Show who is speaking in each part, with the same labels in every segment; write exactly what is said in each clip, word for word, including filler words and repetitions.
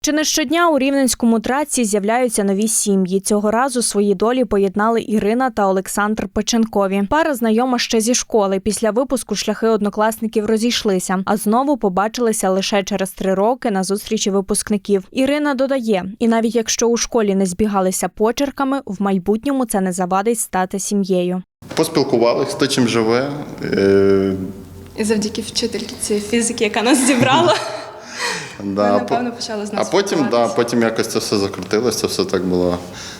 Speaker 1: Чи не щодня у Рівненському Траці з'являються нові сім'ї. Цього разу свої долі поєднали Ірина та Олександр Печенкові. Пара знайома ще зі школи. Після випуску шляхи однокласників розійшлися, а знову побачилися лише через три роки на зустрічі випускників. Ірина додає, і навіть якщо у школі не збігалися почерками, в майбутньому це не завадить стати сім'єю.
Speaker 2: Поспілкувалися, хто чим живе. Е...
Speaker 3: І завдяки вчительці цієї фізики, яка нас зібрала.
Speaker 2: Да,
Speaker 3: Ми, напевно, почали з нас
Speaker 2: А потім, да, потім якось це все закрутилося, це все так було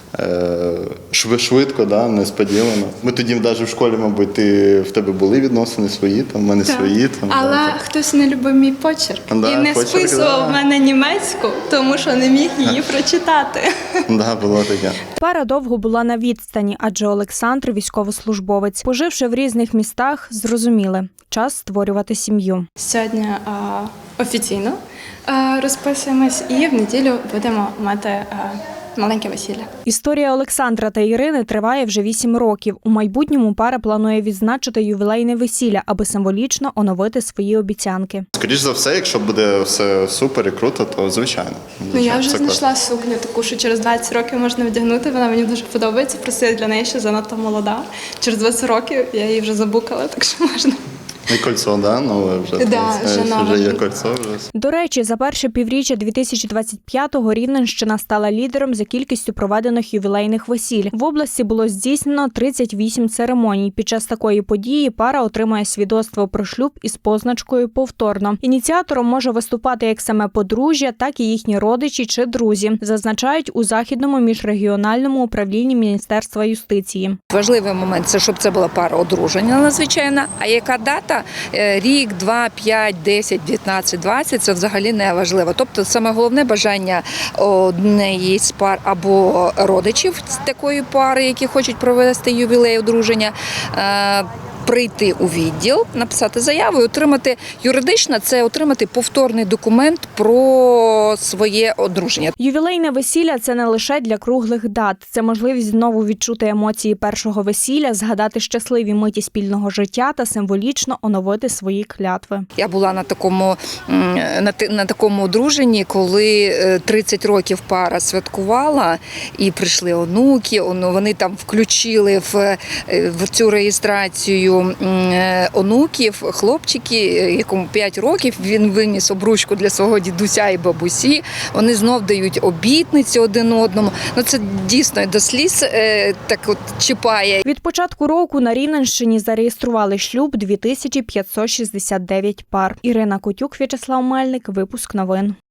Speaker 2: е, швидко, да, несподівано. Ми тоді навіть в школі, мабуть, ти, в тебе були відносини свої, там, в мене
Speaker 3: Так.
Speaker 2: свої. Там,
Speaker 3: Але
Speaker 2: да,
Speaker 3: хтось не любив мій почерк
Speaker 2: Да,
Speaker 3: і не
Speaker 2: почерк,
Speaker 3: списував
Speaker 2: да.
Speaker 3: в мене німецьку, тому що не міг її прочитати.
Speaker 2: Да, було таке.
Speaker 1: Пара довго була на відстані, адже Олександр – військовослужбовець. Поживши в різних містах, зрозуміли – час створювати сім'ю.
Speaker 3: Сьогодні а, офіційно а, розписуємось і в неділю будемо мати а, маленьке весілля.
Speaker 1: Історія Олександра та Ірини триває вже вісім років. У майбутньому пара планує відзначити ювілейне весілля, аби символічно оновити свої обіцянки.
Speaker 2: Скоріш за все, якщо буде все супер і круто, то звичайно.
Speaker 3: Ну, я вже
Speaker 2: Це
Speaker 3: знайшла сукню таку, що через двадцять років можна вдягнути, вона мені дуже подобається, просто я для неї ще занадто молода. Через двадцять років я її вже забукала, так що можна.
Speaker 2: І кольцо, да? Нове вже.
Speaker 3: Да,
Speaker 2: це,
Speaker 3: вже нове.
Speaker 2: вже є кольцо. Вже.
Speaker 1: До речі, за перше півріччя дві тисячі двадцять п'ятого Рівненщина стала лідером за кількістю проведених ювілейних весіль. В області було здійснено тридцять вісім церемоній. Під час такої події пара отримує свідоцтво про шлюб із позначкою «повторно». Ініціатором може виступати як саме подружжя, так і їхні родичі чи друзі, зазначають у Західному міжрегіональному управлінні Міністерства юстиції.
Speaker 4: Важливий момент – це щоб це була пара одруження надзвичайна, а яка дата? Рік, два, п'ять, десять, дев'ятнадцять, двадцять – це взагалі не важливо. Тобто саме головне бажання однієї з пар або родичів з такої пари, які хочуть провести ювілей одруження, прийти у відділ, написати заяву і отримати, юридично це отримати повторний документ про своє одруження.
Speaker 1: Ювілейне весілля – це не лише для круглих дат. Це можливість знову відчути емоції першого весілля, згадати щасливі миті спільного життя та символічно оновити свої клятви.
Speaker 4: Я була на такому, на, на такому одруженні, коли тридцять років пара святкувала і прийшли онуки, вони там включили в, в цю реєстрацію онуків, хлопчики, якому п'ять років, він виніс обручку для свого дідуся і бабусі, вони знов дають обітниці один одному. Ну це дійсно до сліз е, так от чіпає.
Speaker 1: Від початку року на Рівненщині зареєстрували шлюб дві тисячі п'ятсот шістдесят дев'ять пар. Ірина Котюк, В'ячеслав Мельник, випуск новин.